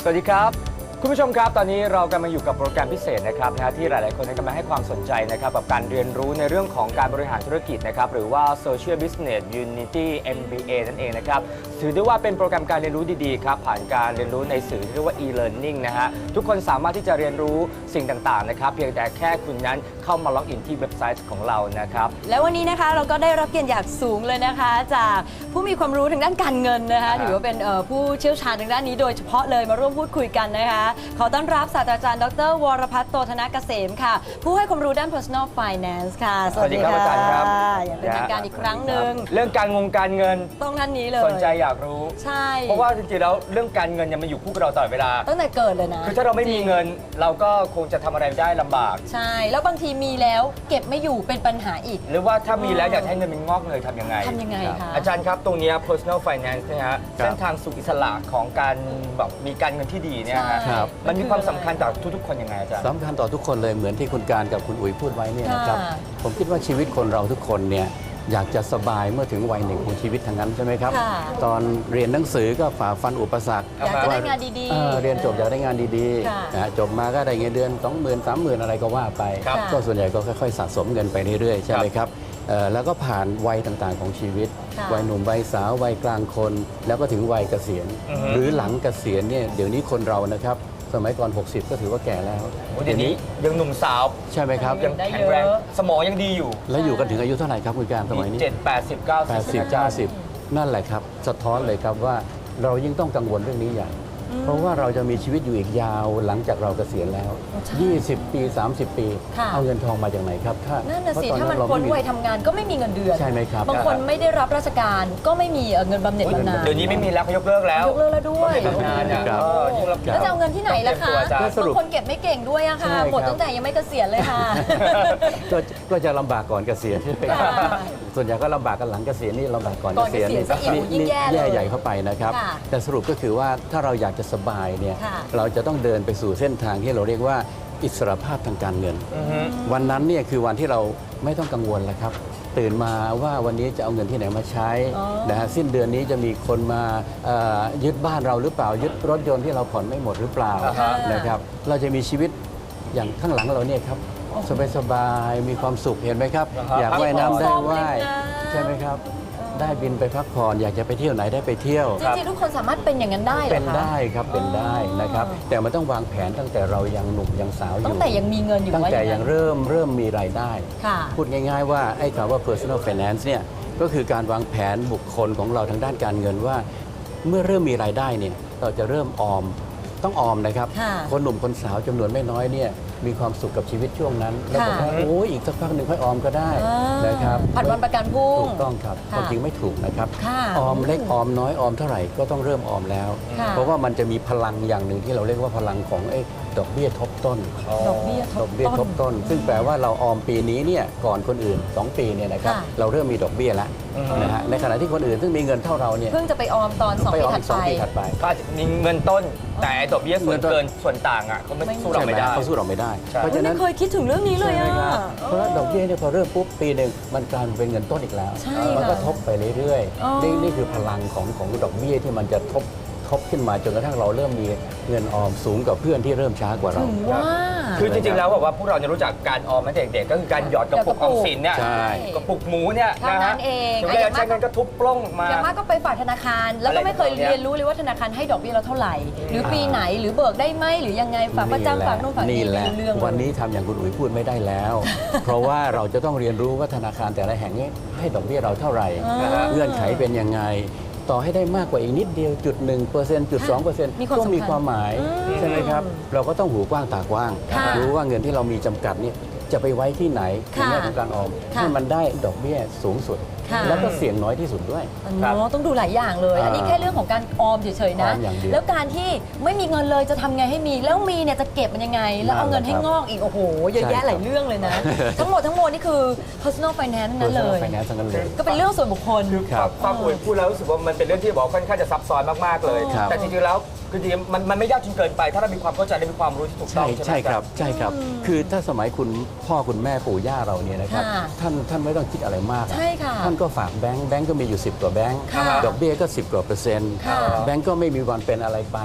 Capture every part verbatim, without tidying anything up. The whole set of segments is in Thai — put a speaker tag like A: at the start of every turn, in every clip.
A: สวัสดีครับคุณผู้ชมครับตอนนี้เรากำลังอยู่กับโปรแกรมพิเศษนะครับนะที่หลายๆคนกำลังให้ความสนใจนะครับกับการเรียนรู้ในเรื่องของการบริหารธุรกิจนะครับหรือว่า Social Business Unity เอ็ม บี เอ นั่นเองนะครับถือได้ว่าเป็นโปรแกรมการเรียนรู้ดีๆครับผ่านการเรียนรู้ในสื่อที่เรียกว่า e-learning นะฮะทุกคนสามารถที่จะเรียนรู้สิ่งต่างๆนะครับเพียงแต่แค่คุณนั้นเข้ามาล็อกอินที่เว็บไซต์ของเรานะครับ
B: แล้ววันนี้นะคะเราก็ได้รับเกียรติอย่างสูงเลยนะคะจากผู้มีความรู้ทางด้านการเงินนะคะถือว่าเป็นผู้เชี่ยวชาญทางด้านนี้โดยเฉพาะเลยมาร่วมพูดคุยกันนะคะขอต้อนรับศาสตราจารย์ดรวรพัฒน์โตธนเกษมค่ะผู้ให้ความรู้ด้าน personal finance ค่ะ
A: สวัสดีครับอาจารย์ครับ
B: อย่างเป็นทางการอีกครั้งหนึ่ง
A: เรื่องการงงการเงิน
B: ต้องท่านนี้เลย
A: สนใจอยากรู้
B: ใช่
A: เพราะว่าจริงๆแล้วเรื่องการเงินยังมาอยู่คู่กับเราตลอดเวลา
B: ตั้งแต่เกิดเลยนะ
A: คือถ้าเราไม่มีเงินเราก็คงจะทำอะไรได้ลำบาก
B: ใช่แล้วบางทีมีแล้วเก็บไม่อยู่เป็นปัญหาอีก
A: หรือว่าถ้ามีแล้วอยากให้เงินมันงอกเงยทำยังไง
B: ทำยังไงคะ
A: อาจารย์ครับตรงนี้ personal finance นะฮะเส้นทางสู่อิสระของการแบบมีการเงินที่ดีเนี่ยครับมันมีความสำคัญต่อทุกๆคนยังไงอาจารย์
C: สำคัญต่อทุกคนเลยเหมือนที่คุณการกับคุณอุ๋ยพูดไว้เนี่ยนะครับผมคิดว่าชีวิตคนเราทุกคนเนี่ยอยากจะสบายเมื่อถึงวัยหนึ่งของชีวิตทางนั้นใช่ไหมครับตอนเรียนหนังสือก็ฝ่าฟันอุปสรรค
B: อยากจะได้งานดีๆ
C: เรียนจบอยากได้งานดีๆจบมาก็ได้เงินเดือน สองหมื่น สามหมื่น อะไรก็ว่าไปก็ส่วนใหญ่ก็ค่อยๆสะสมเงินไปเรื่อยๆใช่ไหมครับแล้วก็ผ่านวัยต่างๆของชีวิตวัยหนุ่มวัยสาววัยกลางคนแล้วก็ถึงวัยเกษียณหรือหลังเกษียณเนี่ยเดี๋ยวนี้คนเรานะครับสมัยก่อนหกสิบก็ถือว่าแก่แล้ว
A: เดี๋ยวนี้ยังหนุ่มสาว
C: ใช่ไหมครับ
A: ยังแข็งแรงสมองยังดีอยู่
C: แล้วอยู่กันถึงอายุเท่าไหร่ครับคุณการสมัยนี้
A: เจ็ด แปดสิบ เก้าสิบ
C: แปดสิบ เก้าสิบนั่นแหละครับสะท้อนเลยครับว่าเรายิ่งต้องกังวลเรื่องนี้อย่างเพราะว่าเราจะมีชีวิตอยู่อีกยาวหลังจากเราเกษียณแล้วยี่สิบปีสามสิบปีเอาเงินทองมาจากไหนครับ
B: ถ้านั่นน่ะสิถ้ามันพ้นวัยทำงานก็ไม่มีเงินเดือน
C: ใช่ไหมครับ
B: บางคนไม่ได้รับราชการก็ไม่มีเงินบำเหน็จบำนาญ
A: เดี๋ยวนี้ไม่มีแล้วเขายกเลิกแล้ว
B: ยกเลิกแล้วด้วย
A: บำนาญเนี่ย
B: แล้วจะเอาเงินที่ไหนล่ะคะบางคนเก็บไม่เก่งด้วยอะค่ะหมดตั้งแต่ยังไม่เกษียณเลยค่ะ
C: ก็จะลำบากก่อนเกษียณส่วนใหญ่ก็ลำบากกันหลังเกษียณนี่ลำบากก่อนเกษียณนี่แย่ใหญ่เข้าไปนะครับแต่สรุปก็คือว่าถ้าเราอยากจะสบายเนี่ยเราจะต้องเดินไปสู่เส้นทางที่เราเรียกว่าอิสรภาพทางการเงินวันนั้นเนี่ยคือวันที่เราไม่ต้องกังวลแล้วครับตื่นมาว่าวันนี้จะเอาเงินที่ไหนมาใช้นะฮะสิ้นเดือนนี้จะมีคนมายึดบ้านเราหรือเปล่ายึดรถยนต์ที่เราผ่อนไม่หมดหรือเปล่านะครับเราจะมีชีวิตอย่างข้างหลังเราเนี่ยครับสบายๆมีความสุขเห็นไหมครับอยากว่ายน้ำได้ว่ายใช่ไหมครับได้บินไปพักผ่อนอยากจะไปเที่ยวไหนได้ไปเที่ยว
B: จริงๆทุกคนสามารถเป็นอย่างนั้นได้เหรอคะ
C: เป็นได้ครับเป็นได้นะครับแต่มันต้องวางแผนตั้งแต่เรายังหนุ่มยังสาวอยู่
B: ตั้งแต่ยังมีเงินอยู่
C: ตั้งแต่ยังเริ่มเริ่มมีรายได้พูดง่ายๆว่าไอ้คำว่า personal finance เนี่ยก็คือการวางแผนบุคคลของเราทางด้านการเงินว่าเมื่อเริ่มมีรายได้เนี่ยเราจะเริ่มออมต้องออมนะครับคนหนุ่มคนสาวจำนวนไม่น้อยเนี่ยมีความสุขกับชีวิตช่วงนั้นแล้วบอกว่าโอ้ยอีกสักพักหนึ่งค่อยออมก็ได้นะครับ
B: ผัดวันประกันพรุ่ง
C: ถูกต้องครับความจริงไม่ถูกนะครับออมเล็กออมน้อยออมเท่าไหร่ก็ต้องเริ่มออมแล้วเพราะว่ามันจะมีพลังอย่างหนึ่งที่เราเรียกว่าพลังของไอ้ดอกเบี้ยทบต้น
B: ดอกเบี้ย
C: ดอกเบี้ยทบต้นซึ่งแปลว่าเราออมปีนี้เนี่ยก่อนคนอื่นสองปีเนี่ยนะครับเราเริ่มมีดอกเบี้ยแล้วนะฮะในขณะที่คนอื่นซึ่งมีเงินเท่าเราเนี่ย
B: เพิ่งจะไปออมตอนสองปี
C: ถัดไป
A: ก็มีเงินต้นแต่ดอกเบี้ยส่วนเกินส่วนต่างอ่ะเขาไม่สู้เราไม่ได้
C: เขาสู้เราไม่ได้
B: เพราะฉะนั้นเคยคิดถึงเรื่องนี้เลยอ่ะ
C: เพราะว่าดอกเบี้ยเนี่ยพอเริ่มปุ๊บปีหนึ่งมันกลายเป็นเงินต้นอีกแล้วมันก็ทบไปเรื่อยๆนี่นี่คือพลังของของดอกเบี้ยที่มันจะทบทบขึ้นมาจนกระทั่งเราเริ่มมีเงินออมสูงกว่าเพื่อนที่เริ่มช้ากว่าเรา
A: คือจริงๆแล้วบอกว่าพวกเราเนี่ยรู้จักการออมมาเด็กๆก็คือการหยอดกระปุกออมสินเนี่ยกระปุกหมูเนี่ย
B: นะฮะเอง
A: ถึงเวลาใช้เงินก็ทุบปล้องมา
B: อย่างมากก็ไปฝากธนาคารแล้วก็ไม่เคยเรียนรู้เลยว่าธนาคารให้ดอกเบี้ยเราเท่าไหร่หรือปีไหนหรือเบิกได้ไหมหรือยังไงฝากประจำฝากนู่นฝากนี่เรื่อง
C: วันนี้ทำอย่างคุณอุ๋ยพูดไม่ได้แล้วเพราะว่าเราจะต้องเรียนรู้ว่าธนาคารแต่ละแห่งนี้ให้ดอกเบี้ยเราเท่าไหร่เงื่อนไขเป็นยังไงต่อให้ได้มากกว่าอีกนิดเดียวจุดหนึ่งเปอร์เซ็นต์จุดสองเปอร์เซ็นต์ก็มีความหมายใช่ไหมครับเราก็ต้องหูกว้างตากว้างรู้ว่าเงินที่เรามีจำกัดเนี่ยจะไปไว้ที่ไหนในแง่ของการออมให้มันได้ดอกเบี้ยสูงสุดแล้วก็เสี่ยงน้อยที่สุดด้วย
B: ต้องดูหลายอย่างเลยอันนี้แค่เรื่องของการออมเฉยๆนะแล้วการที่ไม่มีเงินเลยจะทำไงให้มีแล้วมีเนี่ยจะเก็บมันยังไงแล้วเอาเงินให้งอกอีกโอ้โหเยอะแยะหลายเรื่องเลยนะทั้งหมดทั้งมวลนี่คือ personal finance นั่นเลยก็เป็นเรื่องส่วนบุคคล
A: ฟังอุ๋ยพูดแล้วรู้สึกว่ามันเป็นเรื่องที่บอกค่อนข้างจะซับซ้อนมากๆเลยแต่จริงๆแล้วคือจริงๆมันมันไม่ยากจนเกินไปถ้าเรามีความเข้าใจและมีความรู้ที่ถูกต้อง
C: ใช่ครับใช่ครับคือถ้าสมัยคุณพ่อคุณแม่ปู่ย่าเราเนี่ยนะครับท่านท่านไม่ต้องคิดอะไรมากท่านก็ฝากแบงค์แบงค์ก็มีอยู่สิบกว่าแบงค์ดอกเบี้ยก็สิบกว่าเปอร์เซ็นต์แบงค์ก็ไม่มีวันเป็นอะไรไป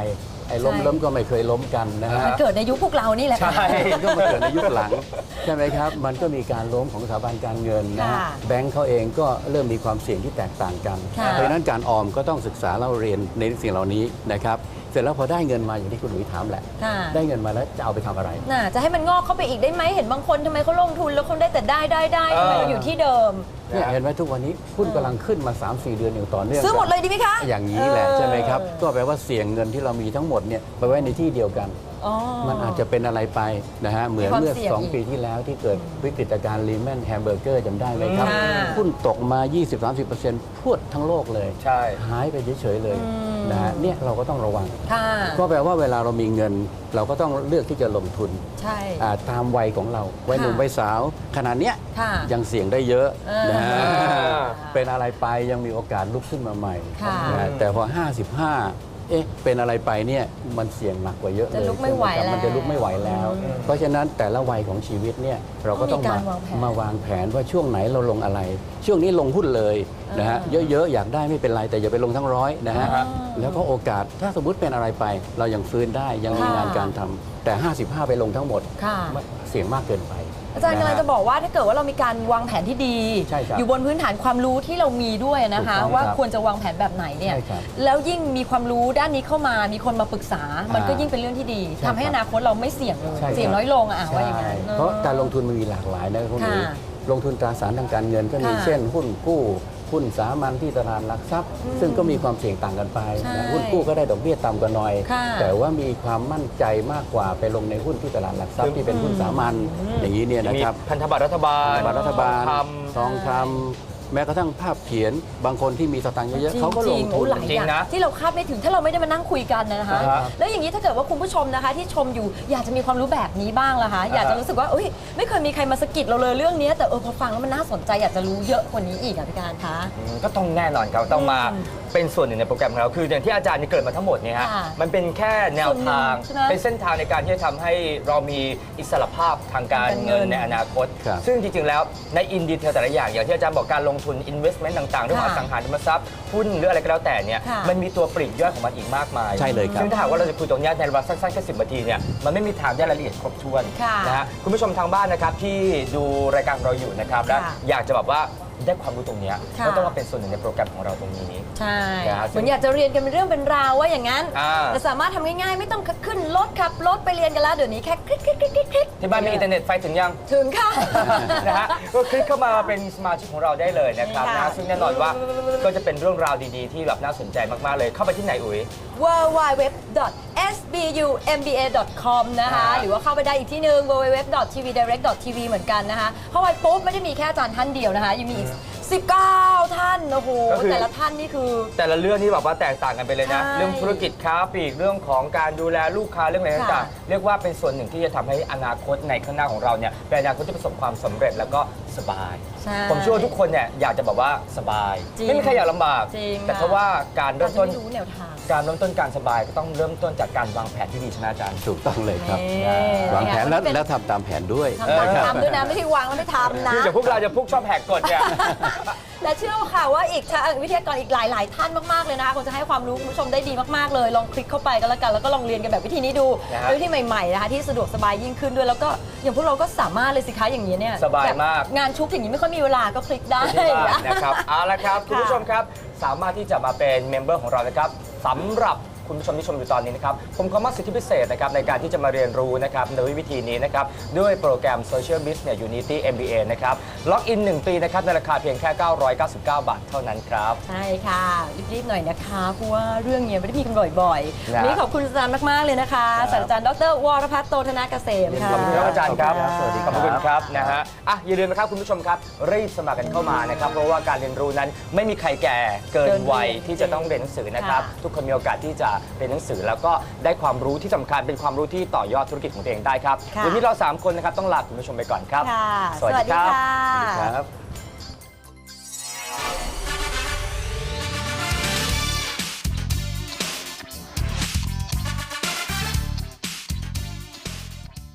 C: ไอ้ล้ม
B: ใช่
C: ล้มก็ไม่เคยล้มกันนะฮะ
B: มันเกิดในยุคพวกเรานี่แหละค่ะ
A: ใช่
C: มันก็มาเกิดในยุคหลังใช่ไหมครับ มันก็มีการล้มของสถาบันการเงินนะฮะ
B: ค่ะ
C: แบงก์เขาเองก็เริ่มมีความเสี่ยงที่แตกต่างกัน
B: ค่ะ
C: เพราะฉะนั้นการออมก็ต้องศึกษาเล่าเรียนในสิ่งเหล่านี้นะครับเสร็จแล้วพอได้เงินมาอย่างที่คุณหลุยถามแหละ
B: ค่ะ
C: ได้เงินมาแล้วจะเอาไปทำอะไร
B: น่ะจะให้มันงอกเข้าไปอีกได้ไหมเห็นบางคนทำไมเขาลงทุนแล้วเขาได้แต่ได้ได้ได้ทำไมเราอยู่ที่เดิม
C: เนี่ยเห็นไหมทุกวันนี้หุ้นกำลังขึ้นมา สามสี่ เดือนอย่างต่อเนื่อง
B: ซื้อหมดเลยดีไหมคะ
C: อย่างนี้แหละ
B: เออ
C: ใช่ไหมครับ ก็แปลว่าเสี่ยงเงินที่เรามีทั้งหมดเนี่ยไปไว้ในที่เดียวกัน
B: อ๋อ
C: มันอาจจะเป็นอะไรไปนะฮะเหมือน
B: มีความ
C: เมื่อ
B: เสี่ยง
C: สอง
B: อีก
C: ปีที่แล้วที่เกิดวิกฤตการณ์ลีแมนแฮมเบอร์เกอร์จำได้ไหมครับ
B: ค่ะ
C: หุ้นตกมา ยี่สิบถึงสามสิบเปอร์เซ็นต์ พรวดทั้งโลกเลย
A: ใช่
C: หายไปเฉยๆเลย
B: อืม
C: นะฮะเนี่ยเราก็ต้องระวัง
B: ค่ะ
C: ก็แปลว่าเวลาเรามีเงิน เราก็ต้องเลือกที่จะลงทุน
B: ใช่
C: อ่าตามวัยของเราวัยหนุ่ม
B: ค่ะ
C: วัยสาวขนาดเนี้ย
B: ค่ะ
C: ยังเสี่ยงได้เยอะ
B: เออ
C: นะฮะ
A: อ่า
C: เป็นอะไรไปยังมีโอกาสลุกขึ้นมาใหม่
B: ค่ะ
C: นะฮะแต่พอ ห้าสิบห้า เอ๊ะเป็นอะไรไปเนี่ยมันเสี่ยงหนักกว่าเยอะเลย
B: จะลุกไม่ไหว
C: ใช่ครับมันจะ
B: แล้ว
C: ลุกไม่ไหวแล้ว เพราะฉะนั้นแต่ละวัยของชีวิตเนี่ยเราก็ต้อง
B: ต้องมี
C: มา
B: การวางแผน
C: มาวางแผนว่าช่วงไหนเราลงอะไร ช่วงนี้ลงหุ้นเลยนะฮะ
B: อ่า
C: เยอะๆอยากได้ไม่เป็นไรแต่อย่าไปลงทั้งร้อยนะฮะ
B: อ่า
C: แล้วก็โอกาสถ้าสมมติเป็นอะไรไป เรายังฟื้นได้ยังมี
B: ค่ะ
C: งานการทำแต่ ห้าสิบห้า ไปลงทั้งหมด
B: ค่ะ
C: เสี่ยงมากเกินไป
B: อาจารย์กำลังจะบอกว่าถ้าเกิดว่าเรามีการวางแผนที่ดี
C: ใช่ครับ
B: อยู่บนพื้นฐานความรู้ที่เรามีด้วยนะคะ
C: ถูกต้อง
B: ว่า
C: ครับ
B: ควรจะวางแผนแบบไหนเนี่ย
C: ใช่ครับ
B: แล้วยิ่งมีความรู้ด้านนี้เข้ามามีคนมาปรึกษา มันก็ยิ่งเป็นเรื่องที่ดี
C: ใช่
B: ทำให้
C: ครับ
B: อนาคตเราไม่เสี่ยงเลย
C: ใช่ครับ
B: เสี่ยงน้อยลงอะอ่ะว่าอย่างนั้น
C: ใช่เพราะการลงทุนมันมีหลากหลายนะพวกนี้
B: ค่ะ
C: ลงทุนตราสารทางการเงินก็มี
B: ค่ะ
C: เช่น หุ้นกู้หุ้นสามัญที่ตลาดหลักทรัพย์ ซึ่งก็มีความเสี่ยงต่างกันไป
B: ใช่
C: นะหุ้นกู้ก็ได้ดอกเบี้ยต่ำกว่าหน่อย
B: ค่ะ
C: แต่ว่ามีความมั่นใจมากกว่าไปลงในหุ้นที่ตลาดหลักทรัพย์ที่เป็นหุ้นสามัญอย่างนี้เนี่ยนะ
A: มี
C: ครับ
A: พันธบัตรรัฐบาล
C: บัตรรัฐบาล
A: ท
C: ทองคำแม้กระทั่งภาพเขียนบางคนที่มีสตางค์เยอะๆเขาก็ลง
B: จริๆ
C: ทุ
B: โอ้
C: น
B: หลายอย่าง
A: จริงนะ
B: ที่เราคาดไม่ถึงถ้าเราไม่ได้มานั่งคุยกันนะคะ
A: อ่าฮะ
B: แล้วอย่างนี้ถ้าเกิดว่าคุณผู้ชมนะคะ ที่ชมอยู่อยากจะมีความรู้แบบนี้บ้างล่ะคะอยากจะรู้สึกว่าเอ้ยไม่เคยมีใครมาสะกิดเราเลยเรื่องนี้แต่เออพอฟังแล้วมันน่าสนใจอยากจะรู้เยอะกว่านี้อีกอ่ะพี่การคะ
A: อืมก็ต้องแน่นอนครับต้องมาเป็นส่วนหนึ่งในโปรแกรมของเราคืออย่างที่อาจารย์นี่เกริดมาทั้งหมดเนี่ยฮะ
B: ค่ะ
A: มันเป็นแค่แนวทาง
B: ส่วนหนึ่งใช่ไหม
A: เป็นเส้นทางในการที่จะทำให้เรามีอิสรภาพทางการ
B: ทางการเงิ
A: เงิ
B: น
A: นในอนาคต
C: ครับ
A: ซึ่งจริงๆแล้วในอินดีเทลแต่ละอย่างอย่างที่อาจารย์บอกการลงทุน investment ต่างๆเรื่องของอ
B: ค่ะ
A: สังหาริมทรัพย์หุ้นหรืออะไรก็แล้วแต่เนี่ย
B: ค่ะ
A: มันมีตัวปลีกย่อยของมันอีกมากมาย
C: ใช่เลยครับ
A: ซึ่งถ้าหากว่าเราจะคุยตรงเนี้ยในเวลาสั้นๆแค่สิบนาทีเนี่ยมันไม่มีทางได้รายละเอียดครบถ้วน
B: ค่ะ
A: นะฮะคุณผู้ชมทางบ้านนะครับที่ดูรายการของเราอยู่นะครับและ
B: ค่ะ
A: อยากจะแบบว่าได้ความรู้ตรงเนี้ย
B: ค่ะ
A: ก็ต้องมาเป็นส่วนหนึ่งในโปรแกรมของเราตรงนี้
B: ใช่
A: ครับ
B: เหมือนอยากจะเรียนกันเป็นเรื่องเป็นราวว่าอย่างนั้น
A: อ่า
B: แต่สามารถทำง่ายๆ ไม่ต้องขึ้นรถขับรถไปเรียนกันแล้วเดี๋ยวนี้แค่คลิกคลิกคลิกคลิกคลิก
A: ที่บ้านมีอินเทอร์เน็ตไฟถึงยัง
B: ถึงค่ะ
A: นะฮะก็คลิกเข้ามาเป็นสมาชิกของเราได้เลยนะครับ
B: ค่ะ
A: นะซึ่งแน่นอนว่าก็จะเป็นเรื่องราวดีๆ ที่แบบน่าสนใจมากๆเลยเข้าไปที่ไหนอุ๋ย
B: ดับเบิลยู ดับเบิลยู ดับเบิลยู ดอท เอส บี ยู เอ็ม บี เอ ดอท คอม นะคะ
A: อ่า
B: หรือว่าเข้าไปได้อีกที่หนึ่ง ดับเบิลยู ดับเบิลยู ดับเบิลยู ดอท ที วี ไดเรกต์ ดอท ที วี เหมือนกันนะคะเข้าไปปุ๊บไม่ได้มีแค่อาจารย์ท่านเดียวนะคะยังมีอีกสิบเก้าท่านโอ้โห
A: ก็คือ
B: แต่ละท่านนี่คือ
A: แต่ละเรื่องนี่แบบว่าแตกต่างกันไปเลยนะ
B: ใช่
A: เรื่องธุรกิจค้าปลีกเรื่องของการดูแลลูกค้าเรื่องอะไรต่าง
B: ค่ะ
A: ๆเรียกว่าเป็นส่วนหนึ่งที่จะทำให้อนาคตในข้างหน้าของเราเนี่ยเป็นอนาคตที่ประสบความสำเร็จแล้วก็สบาย
B: ใช่
A: ผมเชื่อว่าทุกคนเนี่ยอยากจะแบบว่าสบาย
B: จริง
A: ไม่มีใครอยากลำบาก
B: จริง
A: แต่ถ้าว่าการ
B: อา
A: เริ่
B: จ
A: ม
B: จะ
A: ต้น
B: ไม่รู้แนวทาง
A: การเริ่มต้นการสบายก็ต้องเริ่มต้นจากการวางแผนที่ดีใช่ไหมอาจารย์
C: ถูกต้องเลยครับ
B: นี่
C: วางแผนแล้ว
B: เป็น
C: แล้วทำตามแผนด้วย
B: ทำตาม
C: นะครับ
B: ทำด้วยนะไม่ใช่วางแล้วไม่ทำนะ
A: คือจากพวกเราจะพวกชอบแหกกฎเนี่ย
B: แต่เชื่อค่ะว่าอีกทางวิทยากรอีกหลาย ๆ ท่านมาก ๆ เลยนะคะคงจะให้ความรู้คุณผู้ชมได้ดีมาก ๆ เลย ลองคลิกเข้าไปกันแล้วกัน แล้วก็ลองเรียนกันแบบวิธีนี้ดู
A: นะฮะ
B: เป็นวิธีใหม่ ๆ นะคะที่สะดวกสบายยิ่งขึ้นด้วย แล้วก็อย่างพวกเราก็สามารถเลยสิคะอย่างนี้เนี่ย
A: สบายมาก
B: แบบงานชุกอย่างนี้ไม่ค่อยมีเวลาก็คลิกได้
A: ที่บ้านนะครับเอาละครับคุณผู้ชมครับสามารถที่จะมาเป็นเมมเบอร์ของเรานะครับสำหรับคุณผู้ชมที่ชมอยู่ตอนนี้นะครับผมขอมอบสิทธิพิเศษนะครับในการที่จะมาเรียนรู้นะครับโดยวิธีนี้นะครับด้วยโปรแกรม Social Business Unity เอ็ม บี เอ นะครับล็อกอินหนึ่งปีนะครับในราคาเพียงแค่ เก้าร้อยเก้าสิบเก้า บาทเท่านั้นครับ
B: ใช่ค่ะรีบๆหน่อยนะคะเพราะว่าเรื่องเนี้ยไม่ได้มีกันบ่อยๆ
A: นะ
B: วันนี้ขอบคุณอาจารย์มากๆเลยนะคะศาสตราจารย์ดรวรพัฒน์โตธนเกษมค่ะ
A: ขอบคุณครับอาจารย์ครับ
C: สวัสดี
A: ข
C: ครั
A: อบบ คุณครับนะฮะอ่ะอย่าลืมนะครับคุณผู้ชมครับรีบสมัครกันเข้ามานะครับเพราะว่าการเรียนรู้นั้นไม่มีใครแก่เกินวัยที่จะต้องเรียนหนังสือนะครับ
B: ค่ะ
A: ทุกคนมีโอกาสที่จะเรียนหนังสือแล้วก็ได้ความรู้ที่สำคัญเป็นความรู้ที่ต่อยอดธุรกิจของตัวเองได้ครับ
B: ค่ะ
A: วันนี้เราสามคนนะครับต้องลาคุณผู้ชมไปก่อนครับ
B: ค่ะ
A: สวัสดีครับ
B: สวัสดีค่ะ
C: ครับ